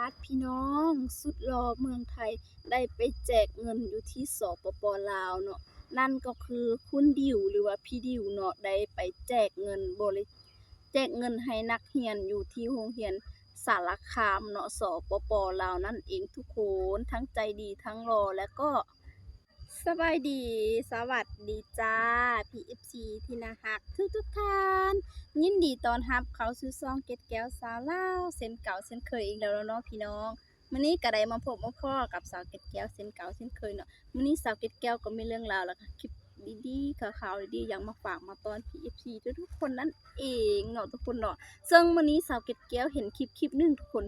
ดพี่น้องสุดหล่อเมืองไทยได้ไปแจกเงินอยู่ที่สปป.ลาวเนาะนั่นก็คือคุณดิวหรือว่าพี่ดิวเนาะได้ไปแจกเงินแจกเงินให้นักเรียนอยู่ที่โรงเรียนสารคามเนาะสปป.ลาวนั่นเองทุกคนทั้งใจดีทั้งหล่อและก็สบายดีสวัสดีจ้า PFC ที่น่ารักทุกท่านยินดีต้อนรับเข้าสู่ช่องเก็ดแก้วสาวลาวเส้นเก่าเส้นเคยอีกแล้วเนาะพี่น้องมื้อนี้ก็ได้มาพบมาพ้อกับสาวเก็ดแก้วเส้นเก่าเส้นเคยเนาะมื้อนี้สาวเก็ดแก้วก็มีเรื่องราวแล้วก็คลิปดีๆข่าวๆดีๆอย่างมาฝากมาตอน PFC ทุกคนนั่นเองเนาะทุกคนเนาะซึ่งมื้อนี้สาวเก็ดแก้วเห็นคลิปนึงทุกคน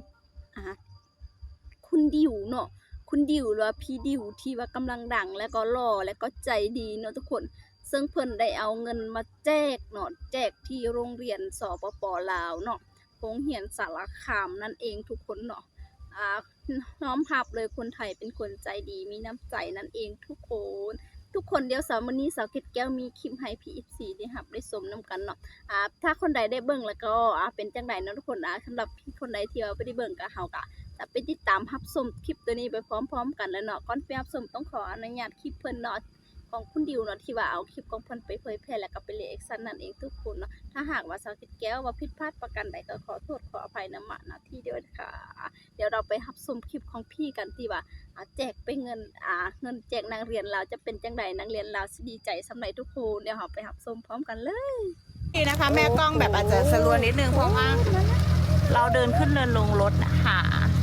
คุณดิวเนาะคุณดิวหรือว่าพี่ดิวที่ว่ากำลังดังและก็หล่อและก็ใจดีเนาะทุกคนซึ่งเพิ่นได้เอาเงินมาแจกเนาะแจกที่โรงเรียนสปป.ลาวเนาะโรงเรียนสารคามนั่นเองทุกคนเนาะน้อมรับเลยคนไทยเป็นคนใจดีมีน้ำใจนั่นเองทุกคนเดี๋ยวมื้อนี้สาวเก็ดแก้วมีคลิปให้ PFC ได้รับได้ชมนํกันเนาะถ้าคนใดได้เบิ่งแล้วก็เป็นจังได๋เนาะทุกคนสำหรับคนใดที่ว่าบ่ได้เบิ่งก็เฮาก็จะไปติดตามรับชมคลิปตัวนี้ไปพร้อมๆกันแล้วเนาะก่อนไปรับชมต้องขออนุญาตคลิปเพิ่นเนาะของคุณดิวเนาะที่ว่าเอาคลิปของเพิ่นไปเผยแพร่แล้วก็ไปรีแอคชั่นนั่นเองทุกคนเนาะถ้าหากว่าสาวเก็ดแก้วว่าผิดพลาดประการใดก็ขอโทษขออภัยณที่เดียวค่ะเดี๋ยวเราไปรับชมคลิปของพี่กันที่ว่าแจกไปเงินแจกนักเรียนเราจะเป็นจังไดนักเรียนเราสิดีใจสำหรับทุกคนเดี๋ยวเราไปรับชมพร้อมกันเลยนี่นะคะแม่กล้องแบบอาจจะสลัวนิดนึงเพราะว่าเราเดินขึ้นเดินลงรถนะคะ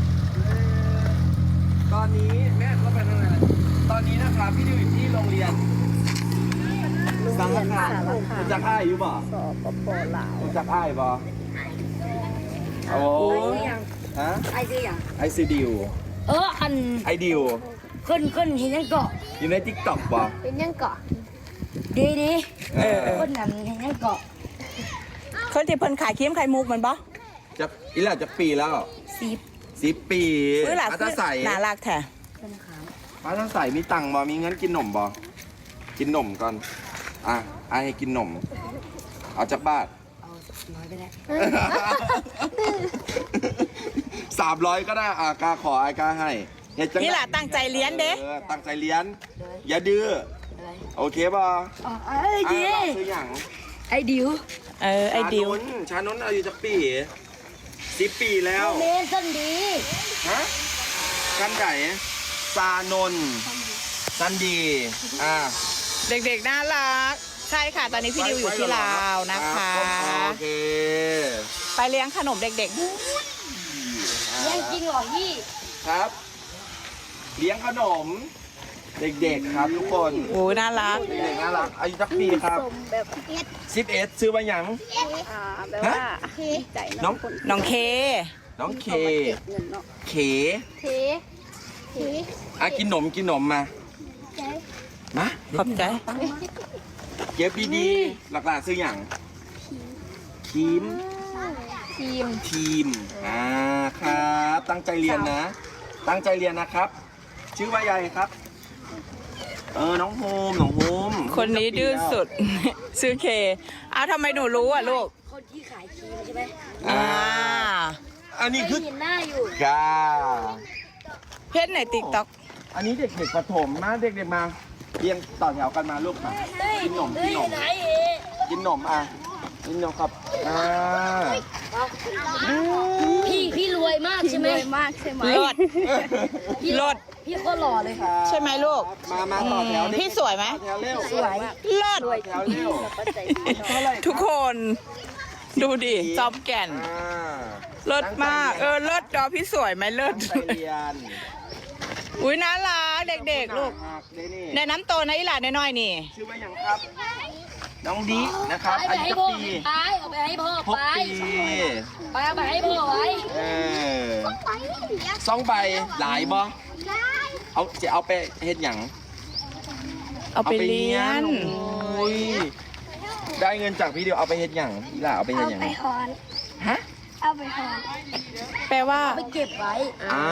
ตอนนี้แม่ก็ไปทางไหนตอนนี้นะคะพี่ดิวอยู่ที่โรงเรียนสังฆทานรู้จักอ้ายอยู่บ่สปป.ลาวรู้จักอ้ายบ่โอ้ฮะไอซีดิวไอดิวคนเห็นยังเกาะอยู่ใน TikTok บ่เป็นยังเกาะดีคนนั้นเห็นยังเกาะคนที่เพิ่นขายครีมไข่มุกมันบ่จะอีหล่ะจะปีแล้ว10 ปีอาตาใส่น่ารักแท้อาตาใส่มีตังค์บ่มีเงินกินนมบ่กินนมก่อนให้กินนมเอาจากบ้านเอาน้อยไปแล้ว 300ก็ได้กาขอกาให้นี่แหละตั้งใจเรียนเด้ตั้งใจเรียนอย่าดื้อโอเคป่ะไอ้ดิวซื้ออย่างไอ้ดิวไอ้ดิวชานนท์อายุจะ10 ปีแล้วเมนสันดีฮะกันไก่ซานนท์สันดีเด็กๆน่ารักใช่ค่ะตอนนี้พี่ดิวอยู่ที่ลาวนะคะโอเคไปเลี้ยงขนมเด็กๆเลี้ยงจริงเหรอพี่ครับเลี้ยงขนมเด็กๆครับทุกคนโอ้น่ารักเด็กน่ารักอายุจักปีครับ11ซื้อมาอย่างแบบว่าใจน้องเคกินนมมาขอบใจเก็บดีๆหลักๆซื้ออย่างทีมครับตั้งใจเรียนนะครับชื่อว่าใหญ่ครับน้องโฮมคนนี้ดื้อสุดชื่อเคทำไมหนูรู้อ่ะลูกคนที่ขายครีมใช่ไหมอันนี้คือเห็นหน้าอยู่เพจในติ๊กต็อกอันนี้เด็กๆประถมนะเด็กๆมาเรียงต่อแถวกันมาลูกค่ะกินนมครับพี่รวยมากใช่ไหมรถพี่ก็หล่อเลยใช่ไหมลูกมาต่อแถวพี่สวยไหมสวยรถทุกคนดูดิจอมแก่นรถมากรถจอพี่สวยไหมรถอุ้ยน่ารักเด็กๆลูกในน้ำโตนะอีหลานน้อยๆนี่ชื่อว่าอย่างครับน้องดีนะครับอายุปีเอาไปให้พ่อไปเอาไปให้พ่อไว้ 2 ใบหลายบ่จะเอาไปเฮ็ดหยังเอาไปเรียนได้เงินจากพี่เดียวเอาไปเฮ็ดหยังอีหล่าเอาไปเฮ็ดหยังฮะเอาไปหอนแปลว่าไปเก็บไว้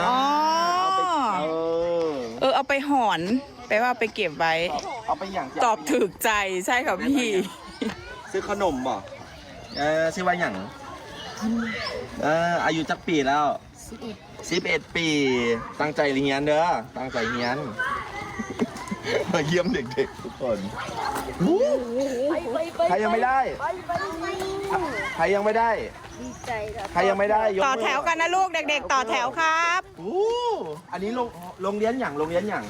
เอาไปหอนแปลว่าไปเก็บไว้เอาไปอย่างตอบถูกใจใช่ค่ะพี่ซื้อขนมบ่ซื้อไว้อย่างอายุจักปีแล้ว 11 ปี ตั้งใจเรียนเด้อ ตั้งใจเรียน มาเยี่ยมเด็กๆทุกคนใครยังไม่ได้ ใครยังไม่ได้ดีใจค่ะใครยังไม่ได้ยกมืต่อแถวกันนะลูกเด็กๆ ต่อแถวครับอู้อันนี้โรงเรียนอย่างโรงเรียนอย่าง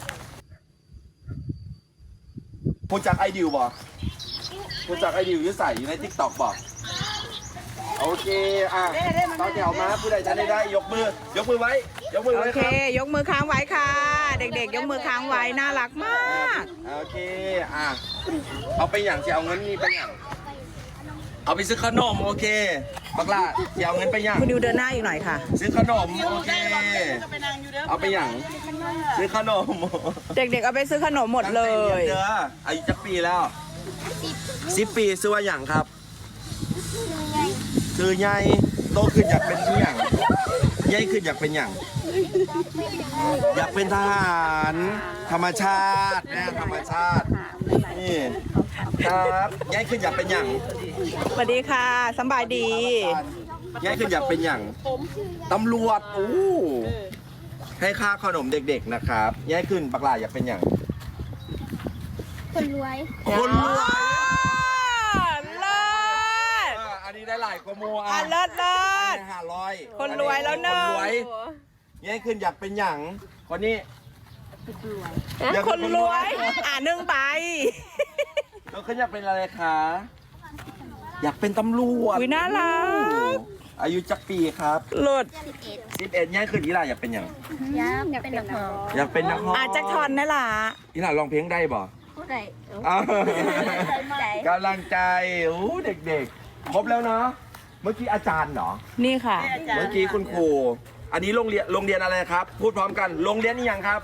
พูดจากไอดิวบ่พูดจากไอดิวอยุ่ใส่อยู่ในทิกตอกบ่โอเคอ่ะต่อแถวมาผู้ใดจะได้ยกมือไว้ ยกมือโอไว้เคครับยกมือค้างไว้ค่ะ เด็กๆ ยกมือค้างไว้ น่ารักมากโอเคอ่ะเอาไปอย่างจะเอาเงินนี่ไปอย่างเอาไปซื้อขนมโอเคบักล่ะจะเอาเงินไปอย่างคุณดิวเดินหน้าอีกหน่อยค่ะซื้อขนมโอเคเอาไปอย่างซื้อขนมเด็กๆ เอาไปซื้อขนมหมดเลยตั้งใจรีนเด้ออายุจักปีแล้ว10 ปีซื้อว่าอย่างครับคือใหญ่โตขึ้นอยากเป็นที่อย่างใหญ่ขึ้นอยากเป็นอย่างอยากเป็นทหารธรรมชาตินะธรรมชาตินี่ครับใหญ่ขึ้นอยากเป็นอย่างสวัสดีค่ะสำบายดีใหญ่ขึ้นอยากเป็นอย่างตำรวจโอ้ให้ค่าขนมเด็กๆนะครับใหญ่ขึ้นปักหลาอยากเป็นอย่างคนรวยคนรวยเลิศอันนี้ได้หลายกว่าโมอ่ะเลิศเลิศ 500 คนรวยแล้วเนอะคนรวยแย่ขึ้นอยากเป็นหยังคนนี้อยากคเป็นรวยนึ่งไปแล้วขึ้นอยากเป็นอะไรคะอยากเป็นตำรวจวิน่ารักอายุจักปีครับหลุด 11แย่ขึ้นอีหล่าอยากเป็นหยังอยากเป็นนักร้องอยากเป็นนักร้องอาจจะทอนนั่นล่ะอีหล่าร้องเพลงได้บ่ผู้ใดอ้าวกำลังใจโอ้เด็กๆครบแล้วเนาะเมื่อกี้อาจารย์เหรอนี่ค่ะเมื่อกี้คุณครูอันนี้โรงเรียนอะไรครับ พูดพร้อมกันโรงเรียนนี่ยังครับ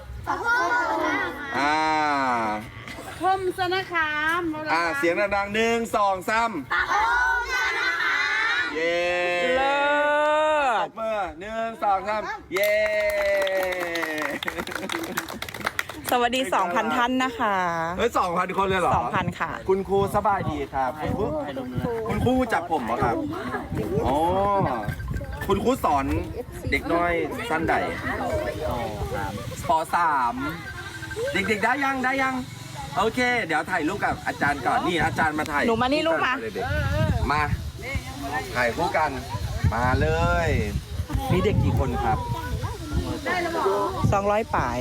คมสนคามเสียงดังๆ1 2 3เย้เลิตศบมือ1 2 3เย้สวัสดี 2,000 ท่านนะคะเฮ้ย2,000 คนเลยเหรอ 2,000 ค่ะคุณครูสบายดีครับคุณครูจับผมเหรอครับอ๋อคุณครูสอนเด็กน้อยสั้นใดป .3 เด็กๆได้ยังโอเค เดี๋ยวถ่ายรูปกับอาจารย์ก่อนนี่อาจารย์มาถ่ายหนูมานี่ลูกมามาถ่ายคู่กันมาเลยมีเด็กกี่คนครับ 200ป่าย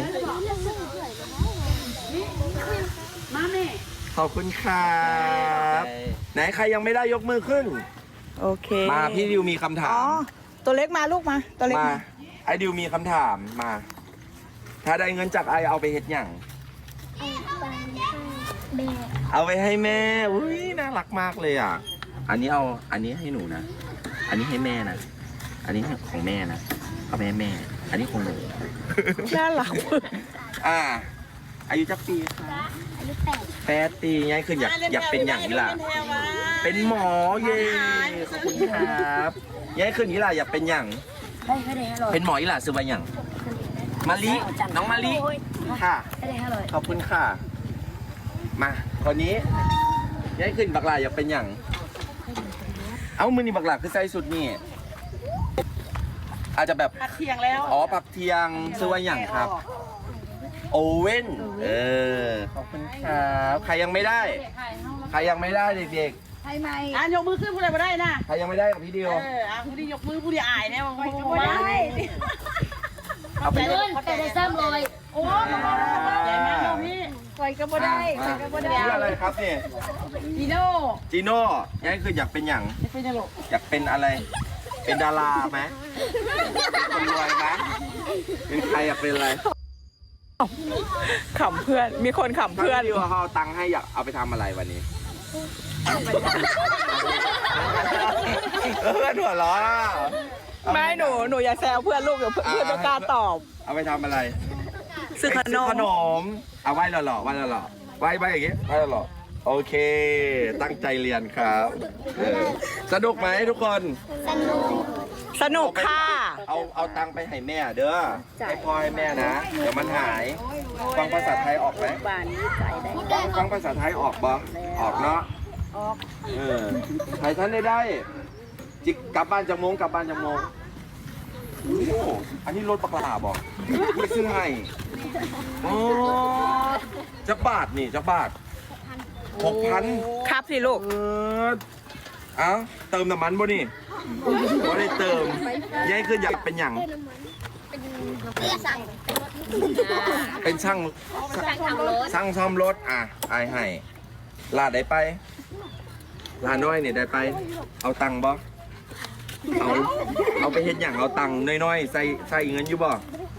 ขอบคุณครับไหนใครยังไม่ได้ยกมือขึ้นโอเคมาพี่ดิวมีคำถาอ๋อมตัวเล็กมาลูกมา ตัวเล็กมามาไอดิวมีคำถามมา ถ้าได้เงินจากไอเอาไปเฮ็ดหยังเอาไปให้แม่อุ้ยน่ารักมากเลยอ่ะอันนี้ให้หนูนะอันนี้ให้แม่นะอันนี้ของแม่นะเอาไปให้แม่ อันนี้ของหนูน่ารักอายุจักปีคะอายุ8 ปีไงคืออยากเป็นอย่างนี้ล่ะเป็นหมอเย่ขอบคุณครับยายคืนนี้ล่ะอยากเป็นอย่างเป็นหมออีหล่ะซื้อมาอย่างมะลิน้องมะลิค่ะขอบคุณค่ะมาคนนี้ยายคืนบักหลาอยากเป็นอย่างเอ้ามือนี่บักหลาคือใส่สุดนี่อาจจะแบบผักเทียงแล้วอ๋อผักเทียงซื้อมาอย่างครับโอเว่นขอบคุณครับใครยังไม่ได้เด็กๆยกมือขึ้นผู้ใดมาได้นะใครยังไม่ได้กับพี่ดิวผู้ใดยกมือผู้ใดอายเนี่ยผู้ใดได้เอาไปเลยเขาได้ซ้ำเลยโอ้ใหญ่มากเลยพี่ใครก็บ่ได้ใครก็บ่ได้ชื่ออะไรครับเนี่ยจีโน่จีโน่ยังคืออยากเป็นอย่างเป็นยังไงอยากเป็นอะไร เป็นดาราไหมเป็นคนรวยไหมเป็นใครอยากเป็นอะไรขำเพื่อน มีคนขำเพื่เพื่ออน นที่ว่าเขาเอาตังค์ให้อยากเอาไปทำอะไรวันนี้เพื่อนหัวล้อไม่หนูอย่าแซวเพื่อนลูกเดี๋ยวเพื่อนไม่กล้าตอบเอาไปทำอะไรซื้อขนมขนมเอาไหว้หล่อๆไหว้หล่อๆไหว้อย่างงี้ไหว้หล่อๆโอเค ตั้งใจเรียนครับสนุกไหมทุกคนสนุกค่ะเอาตังค์ไปให้แม่เด้อให้พ่อให้แม่นะเดี๋ยวมันหายฟังภาษาไทยออกไหมบ้านนี้ใจได้ฟังภาษาไทยออกบ่ออกเนาะใครท่านได้จิกกลับบ้านจะโมงโอ้โหอันนี้รถปลาบอกไม่ซื้อให้อ๋อจักบาทนี่จักบาท6,000 ครับสิลูกเอ้าเติมน้ำมันบ่นี่บ่ได้เติมย้ายขึ้นอยากเป็นอย่างเป็นช่างซ่อมรถอ่ะไอให้ลาดได้ไปลาน้อยนี่ได้ไป เอาตังค์บ่เอาไปเฮ็ดอย่างเอาตังค์น้อยๆใส่เงินอยู่บ่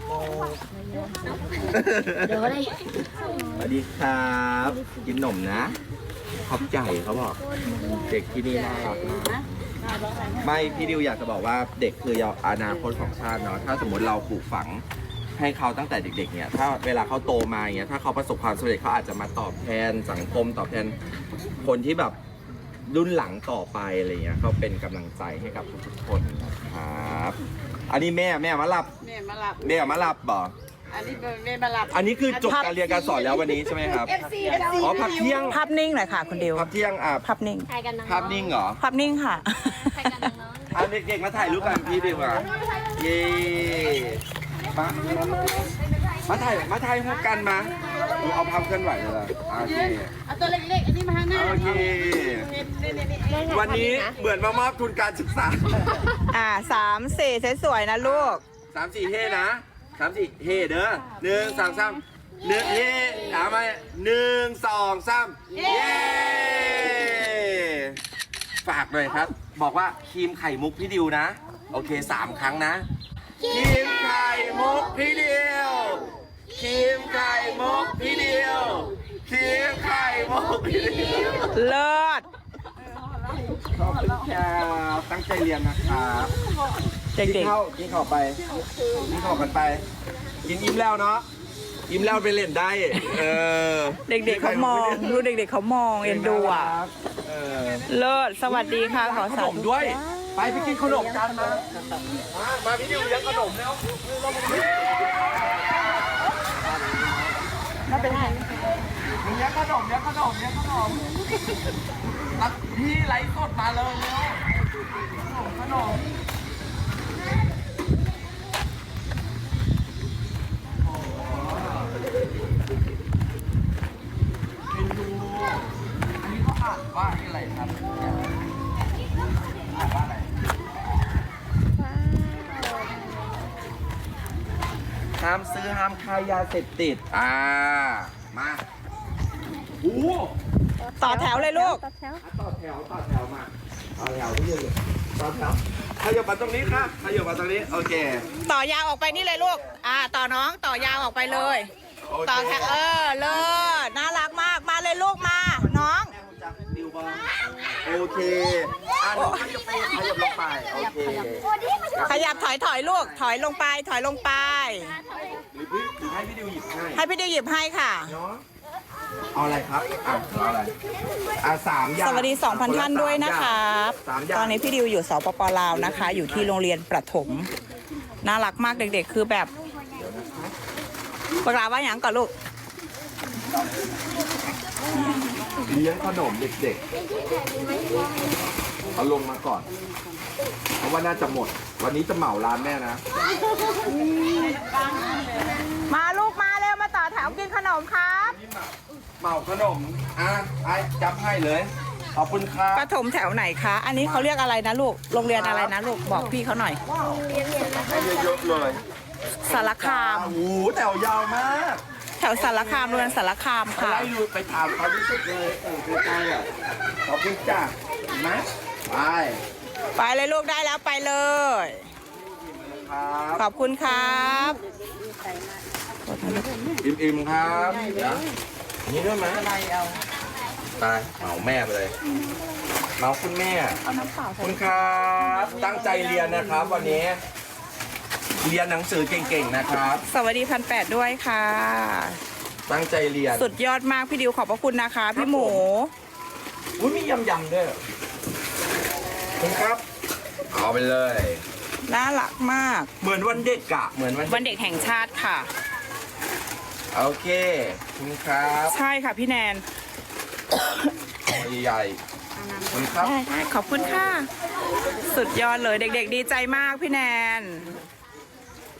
เดี๋ยวเลยสวัสดีครับกินหนมนะขอบใจเขาบอกเด็กที่นี่น่ารักมากไม่พี่ดิวอยากจะบอกว่าเด็กคืออนาคตของชาติเนาะถ้าสมมติเราปลูกฝังให้เขาตั้งแต่เด็กๆเนี่ยถ้าเวลาเขาโตมาอย่างเงี้ยถ้าเขาประสบความสำเร็จเขาอาจจะมาตอบแทนสังคมตอบแทนคนที่แบบรุ่นหลังต่อไปอะไรเงี้ยเขาเป็นกำลังใจให้กับทุกๆคนนะครับอันนี้แม่มารับบอกอันนี้แม่มารับอันนี้คือจบการเรียนการสอนแล้ววันนี้ใช่ไหมครับอ๋อพักเที่ยงภาพนิ่งหน่อยค่ะคุณดิวพักเที่ยงภาพนิ่งภาพนิ่งเหรอภาพนิ่งค่ะเอาเด็กๆมาถ่ายรูปกันพี่ดีกว่าเย้มาถ่ายรูปกันมาดูเอาภาพเคลื่อนไหวเลยโอเคเอาตัวเล็กๆ อันนี้มาข้างหน้าโอเควันนี้เหมือนมามอบทุนการศึกษา 3-4สวยๆนะลูก 3-4 เฮ่นะ3-4 เฮ่เด้อ1 2 3 1เฮ่ถามมา1 2 3เย้ฝากหน่อยครับบอกว่าครีมไข่มุกพี่ดิวนะโอเค3 ครั้งนะครีมไข่มุกพี่ดิวครีมไข่มุกพี่ดิวครีมไข่มุกพี่ดิวเลิศขอบคุณครับตั้งใจเรียนนะครับกินข้าวไปกินข้าวกันไปกินอิ่มแล้วเนาะอิ่มแล้วไปเล่นได้เด็กๆเขามองดูเด็กๆเขามองเอ็นดูอ่ะเลิศสวัสดีค่ะขอขสานมด้วยไปกินขนมกันมาพี่ดิวเลี้ยงขนมแล้วน่าเป็นไงเลี้ยงขนมพี่ไลฟ์สดมาเลยขนมอันนี้เขาอ่านว่าอะไรครับอ่านว่าอะไรห้ามซื้อห้ามขายยาเสพติดมาโอ้ต่อแถวเลยลูกต่อแถวมาเอาแถวที่ยืนต่อแถวขยับมาตรงนี้ค่ะขยับมาตรงนี้โอเคต่อยาวออกไปนี่เลยลูกต่อน้องต่อยาวออกไปเลย ต่อแถวเลิศน่ารักมากมาเลยลูกมาน้องดิวบอลโอเคน้องขยับลงไปโอเคขยับถอยลูกถอยลงไปหรือให้พี่ดิวหยิบให้ให้พี่ดิวหยิบให้ค่ะเนาะเอาอะไรครับเอาอะไร3 อย่างสวัสดี 2,000 ท่านด้วยนะครับ 3 อย่างตอนนี้พี่ดิวอยู่สปป.ลาวนะคะ อยู่ที่โรงเรียนประถมน่ารักมากเด็กๆคือแบบปากลาว่าอย่างก่อนลูกเลี้ยงขนมเด็กๆเอาลงมาก่อนเพราะว่าน่าจะหมดวันนี้จะเหมาร้านแม่นะมาลูกมาเร็วมาต่อแถวกินขนมครับเหมาขนมไอ้จับให้เลยขอบคุณครับประถมแถวไหนคะอันนี้เขาเรียกอะไรนะลูกโรงเรียนอะไรนะลูกบอกพี่เขาหน่อยให้เยอะๆเลยสารคามโอ้โหแถวยาวมากแถวสารคามโรงเรียนสารคามไปค่ะไล่ดูไปถามเขาที่สุดเลยใกล้ๆอ่ะขอบคุณจ้าเห็นไหมไปไปเลยลูกได้แล้วไปเลยครับขอบคุณครับอิ่มๆครับนี่ด้วยไหมตายเหมาแม่ไปเลยเหมาคุณแม่คุณครับตั้งใจเรียนนะครับวันนี้เรียนหนังสือเก่งๆนะครับสวัสดี1,800ด้วยค่ะตั้งใจเรียนสุดยอดมากพี่ดิวขอบพระคุณนะคะพี่หมูอุ้ยมียำๆด้วยคุณครับเอาไปเลยน่ารักมากเหมือนวันเด็กอะเหมือนวันเด็กแห่งชาติค่ะโอเคคุณครับใช่ค่ะพี่แนนใหญ่ๆคุณครับขอบคุณค่ะ สุดยอดเลยเด็กๆดีใจมากพี่แนน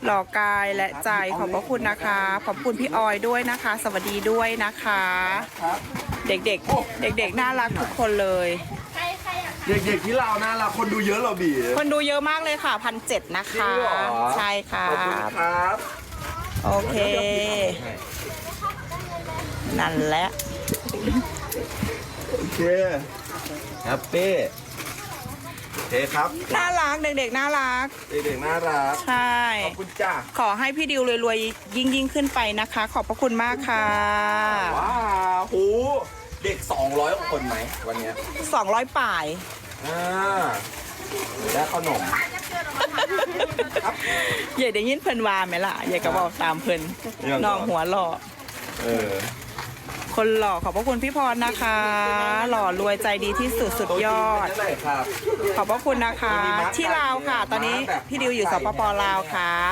หล่อกายและใจขอบพระคุณนะคะขอบคุณพี่ออยด้วยนะคะ สวัสดีด้วยนะคะครับเด็กๆเด็กๆน่ารักทุกคนเลยเด็กๆที่เราวน่ารักคนดูเยอะเหรอบีคนดูเยอะมากเลยค่ะ1,700นะจริงคะเหรอใช่ค่ะขอบคุณครับโอเค นั่นแหละโอเคแฮปปี้โอเคครับน่ารักเด็กๆน่ารักเด็กๆน่ารักใช่ขอบคุณจ้าขอให้พี่ดิวรวยๆยิ่งขึ้นไปนะคะ ขอบพระคุณมากค่ะว้าวโหเด็ก200กว่าคนไหมวันเนี้ย 200ป่ายอ่าและขนมอย่าได้ยินเพิ่นว่าไหมล่ะอย่าก็บอกตามเพิ่นยังก่อนน้องหัวหล่อเออคนหล่อขอบพระคุณพี่พรนะคะ หล่อรวยใจดีที่สุดสุดยอดโต๊ะจีนเป็นยังไงครับขอบพระคุณนะคะ ที่ลาวค่ะ ตอนนี้พี่ดิวอยู่สปปลาวครับ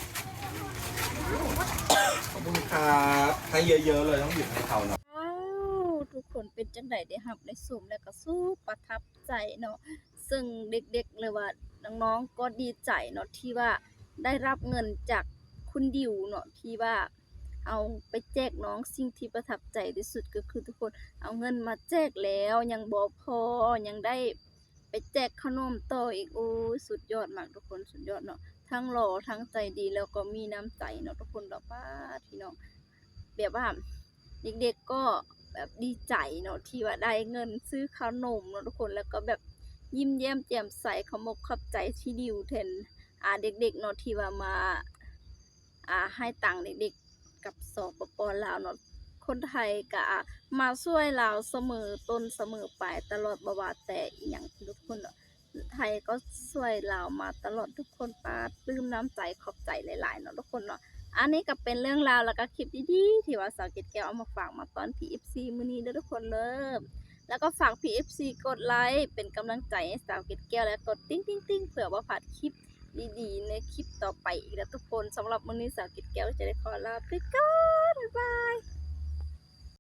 ขอบคุณครับให้เยอะๆเลยต้องหยิบให้เขาเนาะว้าวทุกคนเป็นจังไดได้รับได้ชมแล้วก็สู้ประทับใจเนาะซึ่งเด็กๆเลยว่าน้องๆก็ดีใจเนาะที่ว่าได้รับเงินจากคุณดิวเนาะที่ว่าเอาไปแจกน้องสิ่งที่ประทับใจที่สุดก็คือทุกคนเอาเงินมาแจกแล้วยังบ่พอยังได้ไปแจกขนมต่ออีกโอ้ยสุดยอดมากทุกคนสุดยอดเนาะทั้งหล่อทั้งใจดีแล้วก็มีน้ำใจเนาะทุกคนดอกป้าพี่น้องแบบว่า เด็กๆก็แบบดีใจเนาะที่ว่าได้เงินซื้อขนมเนาะทุกคนแล้วก็แบบยิ้มแย้มแจ่มใสขมกขับใจที่ดิวแทนเด็กๆเนาะที่ว่ามาให้ตังค์เด็กๆกับสปปลาวเนาะคนไทยก็มาช่วยลาวเสมอต้นเสมอปลายตลอดบ่ว่าแต่อีหยังทุกคนเนาะไทยก็ช่วยลาวมาตลอดทุกคนปาปลื้มน้ำใจขอบใจหลายๆเนาะทุกคนเนาะ อันนี้ก็เป็นเรื่องราวแล้วก็คลิปดีๆที่ว่าสาวเกดแก้วเอามาฝากมาตอน PFC มื้อนี้เด้อทุกคนเริ่มแล้วก็ฝาก PFC กดไลค์เป็นกำลังใจให้สาวเกดแก้วและกดติ๊งๆๆเผื่อว่าพลาดคลิปดีๆในคลิปต่อไปอีกแล้วทุกคนสำหรับมื้อนี้สาวเกดแก้วจะได้ขอลาไปก่อนบ๊ายบาย